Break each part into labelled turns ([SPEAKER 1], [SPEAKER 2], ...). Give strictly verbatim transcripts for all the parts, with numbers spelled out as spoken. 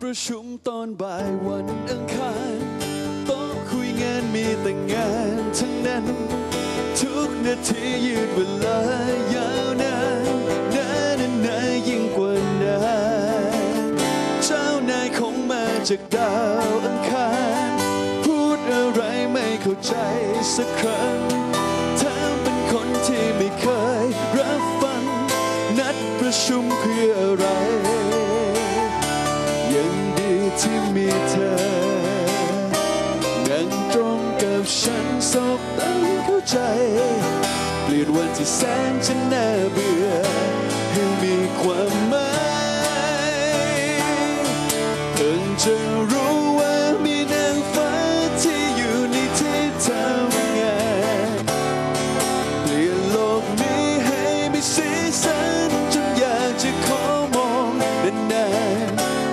[SPEAKER 1] ประชุมตอนบ่ายวันอังคารโต๊ะคุยงานมีแต่งานทั้งนั้นทุกนาทียืดเวลายาวนานนานนานยิ่งกว่านานเจ้านายคงมาจากดาวอังคารพูดอะไรไม่เข้าใจสักครั้งแถมเป็นคนที่ไม่เคยรับฟังนัดประชุมเพื่ออะไรยังดีที่มีเธอนั่งตรงกับฉันสบตาเข้าใจเปลี่ยนวันที่แสนจะน่าเบื่อให้มีความหมายเพิ่งจะรู้ว่ามีนางฟ้าที่อยู่ในที่ทำงานเปลี่ยนโลกนี้ให้มีสีสันจนอยากจะขอมองนาน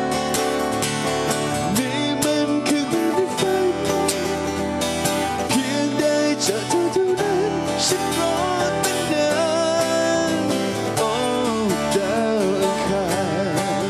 [SPEAKER 1] ๆนี่มันคือความฝันเพียงได้เจอเธอเท่านั้นฉันรอตั้งนานโอ้ดาวอังคาร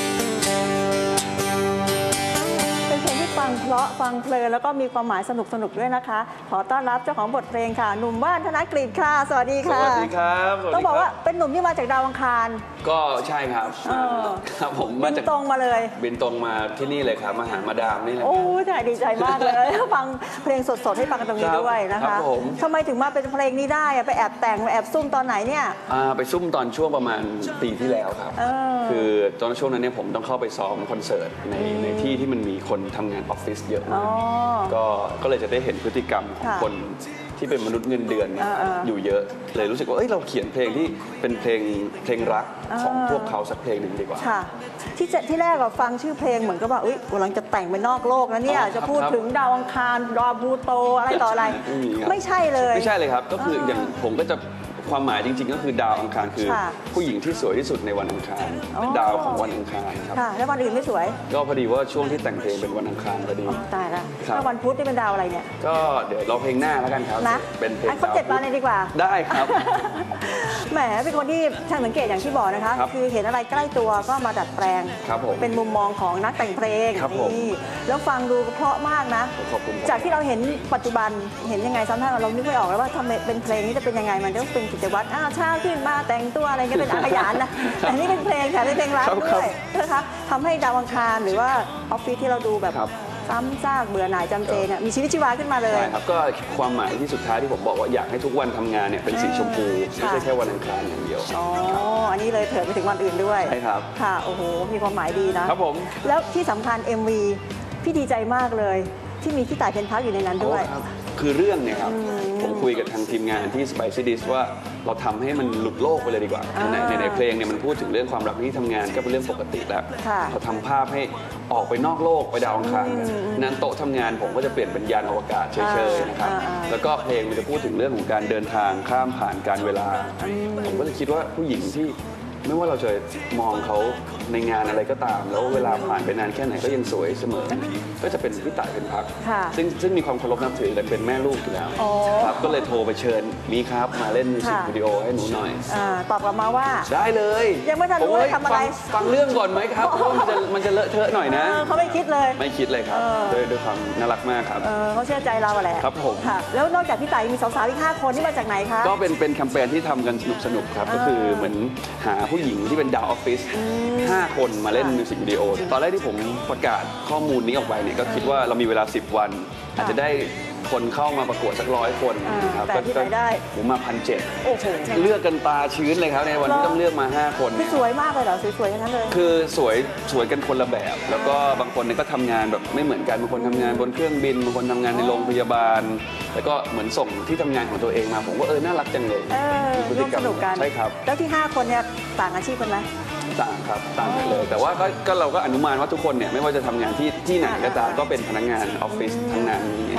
[SPEAKER 2] เป็นเพลงที่ฟังเพราะฟังเพลินแล้วก็มีความหมายสนุกสนุกด้วยนะคะขอต้อนรับเจ้าของบทเพลงค่ะหนุ่มว่านธนกฤษค่ะสวัสดีค่ะ
[SPEAKER 3] สวัสดีครับ
[SPEAKER 2] ต้องบอกว่าเป็นหนุ่มที่มาจากดาวอังคาร
[SPEAKER 3] ก็ใช่ครับครับผม
[SPEAKER 2] มาจากตรงมาเลย
[SPEAKER 3] บินตรงมาที่นี่เลยครับมาหามาดามนี่เลย
[SPEAKER 2] โอ้ใช่ดีใจมากเลยฟังเพลงสดๆให้ฟังกันตรงนี้ด้วยนะคะทำไมถึงมาเป็นเพลงนี้ได้ไปแอบแต่งไปแอบซุ่มตอนไหนเนี่ย
[SPEAKER 3] ไปซุ่มตอนช่วงประมาณปีที่แล้วครับคือตอนช่วงนั้นเนี่ยผมต้องเข้าไปซ้อมคอนเสิร์ตในในที่ที่มันมีคนทำงานออฟฟิศเยอะมากก็ก็เลยจะได้เห็นพฤติกรรมของคนที่เป็นมนุษย์เงินเดือนอยู่เยอะเลยรู้สึกว่าเอ้ยเราเขียนเพลงที่เป็นเพลงเพลงรักของพวกเขาสักเพลงหนึ่งดีกว่า
[SPEAKER 2] ค่ะที่ที่แรกเราฟังชื่อเพลงเหมือนกับว่าอุ้ยกำลังจะแต่งไปนอกโลกนะเนี่ยจะพูดถึงดาวอังคารดาวพลูโตอะไรต่ออะไรไม่ใช่เลย
[SPEAKER 3] ไม่ใช่เลยครับก็คืออย่างผมก็จะความหมายจริงๆก็คือดาวอังคารคือผู้หญิงที่สวยที่สุดในวันอังคารดาวของวันอังคารครับ
[SPEAKER 2] แล้ววันอื่นไม่สวย
[SPEAKER 3] ก็พอดีว่าช่วงที่แต่งเพลงเป็นวันอังคารพอดี
[SPEAKER 2] ตายแล้วแล้ววันพุธนี่เป็นดาวอะไรเนี่ย
[SPEAKER 3] ก็เดี๋ยวเราเพลงหน้าแล้วกันครับ
[SPEAKER 2] นะ
[SPEAKER 3] เป็นเพลง
[SPEAKER 2] ครบเจ็ดวันเลยดีกว่า
[SPEAKER 3] ได้ครับ
[SPEAKER 2] แหมเป็นคนที่ช่างสังเกตอย่างที่บอกนะคะคือเห็นอะไรใกล้ตัวก็มาดัดแปลงเป็นมุมมองของนักแต่งเพลงนี่แล้วฟังดูเพราะมากนะจากที่เราเห็นปัจจุบันเห็นยังไงซ้ำท่านเรานึกไม่ออกแล้วว่าทำเป็นเพลงนี้จะเป็นยังไงมันต้องเป็นกิจวัตรอ้าวเช้าขึ้นมาแต่งตัวอะไรก็เป็นอาขยานนะแต่นี่เป็นเพลงค่ะเป็นเพลงรักด้วยนะคะทำให้ดาวอังคารหรือว่าออฟฟิศที่เราดูแบบซ้ำซากเบื่อหน่ายจำเจเนี่ยมีชีวิตชีวาขึ้นมาเลย
[SPEAKER 3] ใช่ครับก็ความหมายที่สุดท้ายที่ผมบอกว่าอยากให้ทุกวันทำงานเนี่ยเป็นสีชมพูไม่ใช่แค่วันอังคารอย่างเดียว
[SPEAKER 2] อ๋ออันนี้เลยเถิดไปถึงวันอื่นด้วย
[SPEAKER 3] ใช่ครับ
[SPEAKER 2] ค่ะโอ้โหมีความหมายดีนะครับ
[SPEAKER 3] ผม
[SPEAKER 2] แล้วที่สำคัญ เอ็ม วี พี่ดีใจมากเลยที่มีพี่ต่ายเพ็ญพักอยู่ในนั้นด้วย
[SPEAKER 3] คือเรื่องเนี่ยครับผมคุยกับทางทีมงานที่ Spicy Dish ว่าเราทำให้มันหลุดโลกไปเลยดีกว่าในในในเพลงเนี่ยมันพูดถึงเรื่องความรักที่ทำงานก็เป็นเรื่องปกติแล้วเราทำภาพให้ออกไปนอกโลกไปดาวอังคารนั้นโต๊ะทำงานผมก็จะเปลี่ยนเป็นยานอวกาศเฉยๆนะครับแล้วก็เพลงมันจะพูดถึงเรื่องของการเดินทางข้ามผ่านการเวลาผมก็เลยคิดว่าผู้หญิงที่ไม่ว่าเราจะมองเขาในงานอะไรก็ตามแล้วเวลาผ่านไปนานแค่ไหนก็ยังสวยเสมอก็จะเป็นพี่ต่ายเพ็ญพักซึ่งซึ่งมีความเคารพนับถือกันเป็นแม่ลูกอยู่แล้วครับก็เลยโทรไปเชิญมีครับมาเล่นมิวสิกวิดีโอให้หนูหน่อย
[SPEAKER 2] ตอบกลับมาว่า
[SPEAKER 3] ได้เลย
[SPEAKER 2] ยังไม่ทันรู้ว่าทำอะไร
[SPEAKER 3] ฟังเรื่องก่อนไหมครับเพราะมันจะมันจะเลอะเทอะหน่อยนะ
[SPEAKER 2] เขาไม่คิดเลย
[SPEAKER 3] ไม่คิดเลยครับด้วยด้วยความน่ารักมากครับ
[SPEAKER 2] เขาเชื่อใจเราแหละ
[SPEAKER 3] ครับผม
[SPEAKER 2] แล้วนอกจากพี่ต่ายมีสาวๆอีกห้าคนที่มาจากไหนคะ
[SPEAKER 3] ก็เป็นเป็นแคมเปญที่ทำกันสนุกสนุกครับก็คือเหมือนหาผู้หญิงที่เป็นดาวออฟฟิศห้าคนมาเล่นมิวสิกวิดีโอตอนแรกที่ผมประกาศข้อมูลนี้ออกไปเนี่ยก็คิดว่าเรามีเวลาสิบวันอาจจะได้คนเข้ามาประกวดสักร้อยคน
[SPEAKER 2] ครับก็ได้
[SPEAKER 3] ผมมาพันเจ็ดเลือกกันตาชื้นเลยครับในวันที่ต้องเลือกมาห้าคน
[SPEAKER 2] สวยมากเลยเหรอสวยๆอย่างนั้นเลย
[SPEAKER 3] คือสวยสวยกันคนละแบบแล้วก็บางคนเนี่ยก็ทำงานแบบไม่เหมือนกันบางคนทำงานบนเครื่องบินบางคนทำงานในโรงพยาบาลแล้วก็เหมือนส่งที่ทำงานของตัวเองมาผมว่าเออน่ารักจังเลย
[SPEAKER 2] ร่วมสนุกกัน
[SPEAKER 3] ใช่ครับ
[SPEAKER 2] แล้วที่ห้าคนเนี่ยต่างอาชีพกันไหม
[SPEAKER 3] ต่างครับต่างกันเลยแต่ว่าก็เราก็อนุมานว่าทุกคนเนี่ยไม่ว่าจะทำงานที่ที่ไหนก็ตามก็เป็นพนักงานออฟฟิศทั้งนั้นนี่ครับ
[SPEAKER 2] โอ้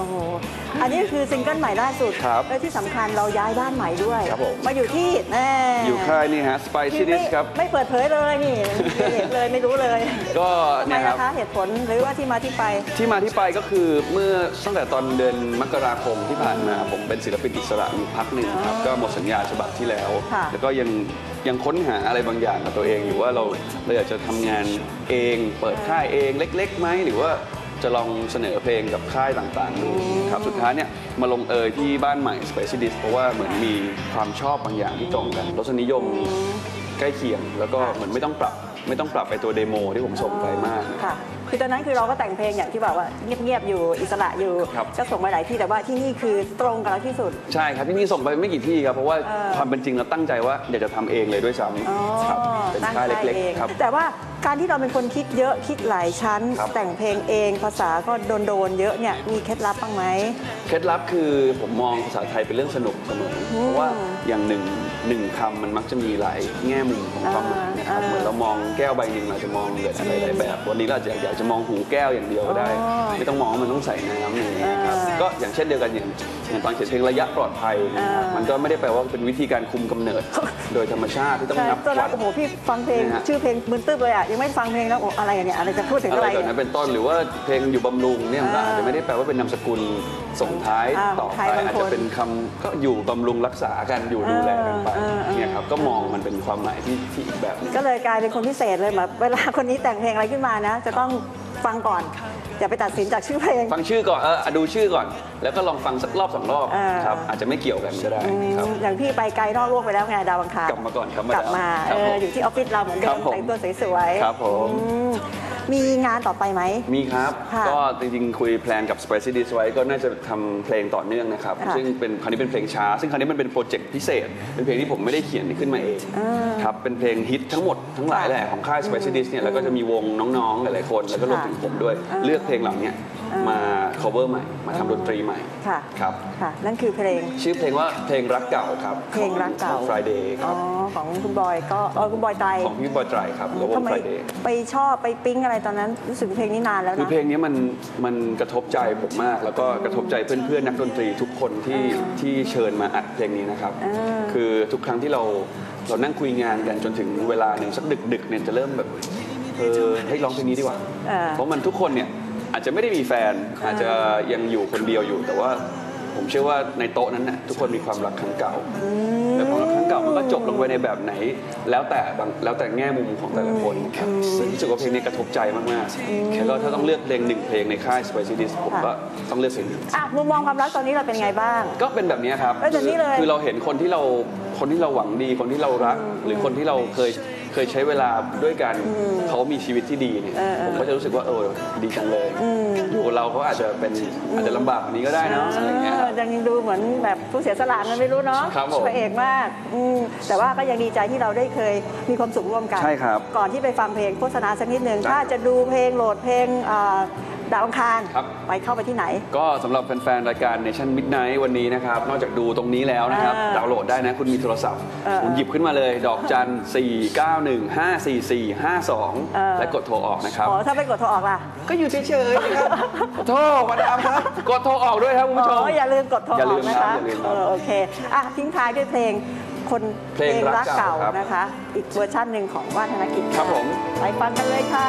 [SPEAKER 2] โหอันนี้คือซิงเกิลใหม่ล่าสุด
[SPEAKER 3] ครับ
[SPEAKER 2] และที่สำคัญเราย้ายบ้านใหม่ด้วย
[SPEAKER 3] ครับผม
[SPEAKER 2] มาอยู่ที่แน่
[SPEAKER 3] อยู่ค่ายนี่ฮะ Spicy
[SPEAKER 2] ที่ไม่
[SPEAKER 3] Dish ครับ
[SPEAKER 2] ไม่เปิดเผยเลยนี่ไม่เห็นเลยไม่รู้เลย
[SPEAKER 3] ก็
[SPEAKER 2] ทำไม
[SPEAKER 3] เนี่ยครั
[SPEAKER 2] นะ
[SPEAKER 3] บ
[SPEAKER 2] คะเหตุผลหรือว่าที่มาที่ไป
[SPEAKER 3] ที่มาที่ไปก็คือเมื่อตั้งแต่ตอนเดือนมกราคมที่ผ่านมาผมเป็นศิลปินอิสระอยู่พักหนึ่งครับก็หมดสัญญาฉบับที่แล้ว
[SPEAKER 2] ค่ะ
[SPEAKER 3] แล้วก็ยังยังค้นหาอะไรบางอย่างกับตัวเองอยู่ว่าเราเราอยากจะทำงานเอง เปิดค่ายเองเล็กๆไหมหรือว่าจะลองเสนอเพลงกับค่ายต่างๆดูครับสุดท้ายเนี่ยมาลงเอยที่บ้านใหม่ Spicy Dish เพราะว่าเหมือนมีความชอบบางอย่างที่ตรงกันรสนิยมใกล้เคียง แล้วก็เหมือนไม่ต้องปรับไม่ต้องปรับไปตัวเดโมที่ผมส่งไปมาก
[SPEAKER 2] ค่ะคือตอนนั้นคือเราก็แต่งเพลงอย่างที่บอกว่าเงียบๆอยู่อิสระอยู่
[SPEAKER 3] ครับ
[SPEAKER 2] ก็ส่งไปหลายที่แต่ว่าที่นี่คือตรงกับเราที่สุด
[SPEAKER 3] ใช่ครับที่นี่ส่งไปไม่กี่ที่ครับเพราะว่า
[SPEAKER 2] เออ
[SPEAKER 3] ความเป็นจริงเราตั้งใจว่าอยากจะทำเองเลยด้วยซ้
[SPEAKER 2] อ๋อ
[SPEAKER 3] ำครับเป็น
[SPEAKER 2] ตั้ง
[SPEAKER 3] ค่าย
[SPEAKER 2] ใจ
[SPEAKER 3] เล็ก
[SPEAKER 2] เอง
[SPEAKER 3] ๆครับ
[SPEAKER 2] แต่ว่าการที่เราเป็นคนคิดเยอะคิดหลายชั้น
[SPEAKER 3] ครับ
[SPEAKER 2] แต่งเพลงเองภาษาก็โดนๆเยอะเนี่ยมีเคล็ดลับบ้างไหม
[SPEAKER 3] เคล็ดลับคือผมมองภาษาไทยเป็นเรื่องสนุกเสมอเพราะว่าอย่างหนึ่งหนึ่งคำมันมักจะมีหลายแง่มุมของความหมายนะครับ
[SPEAKER 2] อ่า
[SPEAKER 3] เหมือนเรามองแก้วใบหนึ่งเราจะมองหลายหลายแบบวันนี้เราอาจจะอยากจะมองหูแก้วอย่างเดียวก็ได้
[SPEAKER 2] อ๋อ
[SPEAKER 3] ไม่ต้องมองว่ามันต้องใส่น้ำอย่างนี้ยครับ
[SPEAKER 2] อ่า
[SPEAKER 3] ก็อย่างเช่นเดียวกันอย่างอย่างตอนเขียนเพลงระยะปลอดภัยนะครับ
[SPEAKER 2] อ่ามั
[SPEAKER 3] มันก็ไม่ได้แปลว่าเป็นวิธีการคุมกำเนิด โดยธรรมชาติที่ต้อง
[SPEAKER 2] ใช่
[SPEAKER 3] นับ
[SPEAKER 2] ตอนแร
[SPEAKER 3] วั
[SPEAKER 2] ก
[SPEAKER 3] ด
[SPEAKER 2] โอ้โหพี่ฟังเพลง
[SPEAKER 3] นะฮะ
[SPEAKER 2] ชื่อเพลงมึนตึ๊บเลยอ่ะยังไม่ฟังเพลงแล้วโอ้อะไรเนี่ยอะไรจะพูดถึง
[SPEAKER 3] อะ
[SPEAKER 2] อะไร ไร
[SPEAKER 3] แบบ
[SPEAKER 2] เนี่
[SPEAKER 3] นั้
[SPEAKER 2] ย
[SPEAKER 3] นเป็นต้นหรือว่าเพลงอยู่บำรุงเนี่ยมันก็
[SPEAKER 2] อ่า
[SPEAKER 3] อาจจะไม่ได้แปลว่าเป็นนามสกุลส่งท้าย
[SPEAKER 2] อ่า
[SPEAKER 3] ต่อ
[SPEAKER 2] ใคร
[SPEAKER 3] ไป
[SPEAKER 2] บางคน
[SPEAKER 3] อาจจะเป็นคำก็อยู่บำรุงรักษากันอยู่ดูแลกันไป
[SPEAKER 2] เออเออ
[SPEAKER 3] เนี่ยครับก็มองมันเป็นความหมายที่ที่อีกแบบหนึง
[SPEAKER 2] ก็เลยกลายเป็นคนพิเศษเลยแบบเวลาคนนี้แต่งเพลงอะไรขึ้นมานะ จะต้องฟังก่อนอย่าไปตัดสินจากชื่อเพลง
[SPEAKER 3] ฟังชื่อก่อนเอออ่ะดูชื่อก่อน แล้วก็ลองฟังสักรอบสองรอบ
[SPEAKER 2] อ่า
[SPEAKER 3] ครับอาจจะไม่เกี่ยวกันก็ได้ครับ
[SPEAKER 2] อย่างพี่ไปไกลนอกโลกไปแล้วไงดาวอังคาร
[SPEAKER 3] กลับมาก่อนครับ
[SPEAKER 2] กลับมา
[SPEAKER 3] ค
[SPEAKER 2] เอ
[SPEAKER 3] รับผม
[SPEAKER 2] ออยู่ที่ออฟฟิศเราเหมือนเดิ
[SPEAKER 3] ครั
[SPEAKER 2] ม
[SPEAKER 3] บผม
[SPEAKER 2] แต่งตัวสวยๆ
[SPEAKER 3] ครับผม
[SPEAKER 2] อืมมีงานต่อไปไหม
[SPEAKER 3] มีครับ
[SPEAKER 2] ค่ะ
[SPEAKER 3] ก็จริงๆ คุยแพลนกับ Spicy Dish ไว้ก็น่าจะทำเพลงต่อเนื่องนะครับ
[SPEAKER 2] ค่ะ
[SPEAKER 3] ซึ่งเป็นคราวนี้เป็นเพลงช้า ซึ่งคราวนี้มันเป็นโปรเจกต์พิเศษ เป็นเพลงที่ผมไม่ได้เขียนขึ้นมาเองครับ เป็นเพลงฮิตทั้งหมดทั้งหลายแหละของค่าย Spicy Dish เนี่ย แล้วก็จะมีวงน้องๆ หลายๆ คน แล้วก็รวมถึงผมด้วย เลือกเพลงเหล่านี้มา cover ใหม่ มาทำดนตรีใหม่
[SPEAKER 2] ค่ะ
[SPEAKER 3] ครับ
[SPEAKER 2] ค่ะ นั่นคือเพลง
[SPEAKER 3] ชื่อเพลงว่าเพลงรักเก่าครับ
[SPEAKER 2] เพลงรักเก่า
[SPEAKER 3] ของ Friday ค
[SPEAKER 2] อ๋
[SPEAKER 3] รั
[SPEAKER 2] อบ ของคุณบอยก็เออคุณบอยไตร
[SPEAKER 3] ของพี่บอยไตรครับแล้วว
[SPEAKER 2] ทำ
[SPEAKER 3] ง
[SPEAKER 2] ไม
[SPEAKER 3] Friday
[SPEAKER 2] ไปชอบไปปิ๊งอะไรตอนนั้นรู้สึกเพลงนี้นานแล้ว
[SPEAKER 3] คือ
[SPEAKER 2] นะ
[SPEAKER 3] เพลงนี้มันมันกระทบใจผมมาก แล้วก็กระทบใจเพื่อนๆนักดนตรีทุกคนที่ที่เชิญมาอัดเพลงนี้นะครับ คือทุกครั้งที่เราเรานั่งคุยงานกันจนถึงเวลาหนึ่งสักดึกๆเนี่ยจะเริ่มแบบเออให้ร้องเพลงนี้ดีกว่า
[SPEAKER 2] เออ
[SPEAKER 3] เพราะมันทุกคนเนี่ยอาจจะไม่ได้มีแฟน อาจจะยังอยู่คนเดียวอยู่ แต่ว่าผมเชื่อว่าในโต๊ะนั้นน่ะทุกคนมีความรักครั้งเก่าแล้วความรักครั้งเก่ามันก็จบลงไปในแบบไหน แล้วแต่บางแล้วแต่แง่มุมของแต่ละคนครับซึ่งรู้สึกว่าเพลงนี้กระทบใจมากๆแล้วก็ถ้าต้องเลือกเพลงหนึ่งเพลงในค่าย Spicy Dish ผมก็ต้องเลือกเพลงนี้
[SPEAKER 2] อ่ะมุมมองความรักตอนนี้เราเป็นไงบ้าง
[SPEAKER 3] ก็เป็นแบบนี้ครับ
[SPEAKER 2] เอ้ยแบบนี้เลย
[SPEAKER 3] คือเราเห็นคนที่เราคนที่เราหวังดี คนที่เรารัก หรือคนที่เราเคยเคยใช้เวลาด้วยกันเขามีชีวิตที่ดีเนี่ยผมก็จะรู้สึกว่าเออดีจังเลยอยู่กับเราเขาอาจจะเป็นอาจจะลำบากกว่านี้ก็ได้เนอะอะไรเงี้ย
[SPEAKER 2] เออยังดูเหมือนแบบผู้เสียสละมันไม่รู้เนาะ
[SPEAKER 3] ครับผม
[SPEAKER 2] พระเอกมากอืมแต่ว่าก็ยังดีใจที่เราได้เคยมีความสุขร่วมกัน
[SPEAKER 3] ใช่ครับ
[SPEAKER 2] ก่อนที่ไปฟังเพลงโฆษณาสักนิดหนึ่ง
[SPEAKER 3] ได้
[SPEAKER 2] ถ้าจะดูเพลงโหลดเพลงอ่าดาวอังคาร
[SPEAKER 3] ครับ
[SPEAKER 2] ไปเข้าไปที่ไหน
[SPEAKER 3] ก็สำหรับแฟนๆ รายการ Nation Midnight วันนี้นะครับ นอกจากดูตรงนี้แล้วนะครับ
[SPEAKER 2] อ่า
[SPEAKER 3] ดาวน์โหลดได้นะ คุณมีโทรศัพท์
[SPEAKER 2] เออ
[SPEAKER 3] คุณหยิบขึ้นมาเลย ดอกจัน สี่ เก้า หนึ่ง ห้า สี่ สี่ ห้า สอง
[SPEAKER 2] เออ
[SPEAKER 3] และกดโทรออกนะครับ
[SPEAKER 2] อ๋อถ้าไปกดโทรออกล่ะ
[SPEAKER 3] ก็อยู่เฉยๆนะครับ โทรมาดามครับ กดโทรออกด้วยครับคุณผู้ชม
[SPEAKER 2] อ๋ออย่าลืมกดโทรอ
[SPEAKER 3] อย่าลื
[SPEAKER 2] อก
[SPEAKER 3] ม
[SPEAKER 2] นะ
[SPEAKER 3] ครั
[SPEAKER 2] คะ
[SPEAKER 3] บอย่าลืมครับ
[SPEAKER 2] เออโอเคอ่ะทิ้งท้ายด้วยเพลงคน
[SPEAKER 3] เพลงรักเก่าครับ
[SPEAKER 2] นะคะ อีกเวอร์ชันหนึ่งของว่านธนกิจ
[SPEAKER 3] ครับผม
[SPEAKER 2] ไปฟังกันเลยค่ะ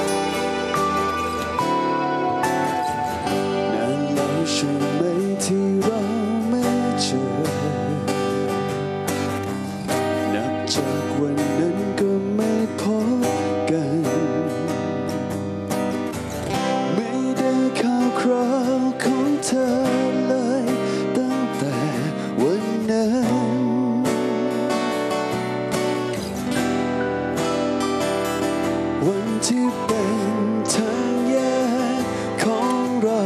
[SPEAKER 1] นานแล้วใช่ไหมที่เราไม่เจอ นับจากวันนั้นก็ไม่พบกัน ไม่ได้ข่าวคราวของเธอเลยตั้งแต่วันนั้น วันที่เป็นทางแยกของเรา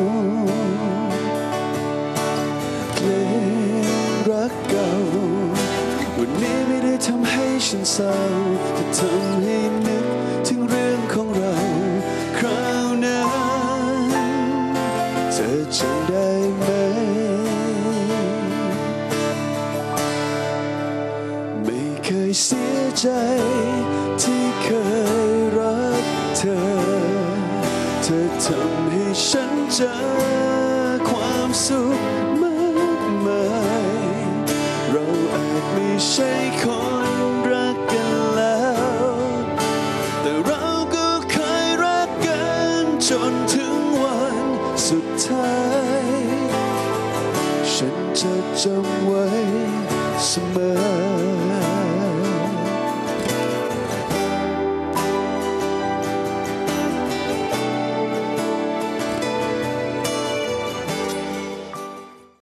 [SPEAKER 1] เพลงรักเก่าวันนี้ไม่ได้ทำให้ฉันเศร้าแต่ทำให้นึกถึงเรื่องของเราคราวนั้นเธอจำได้ไหมไม่เคยเสียใจที่เคยรักเธอ เธอทำให้ฉันเจอควสุขมากมายเราอาจไม่ใช่คนรักกันแล้วแต่เราก็เคยรักกันจนถึงวันสุดท้ายฉันจะจำไว้เสมอ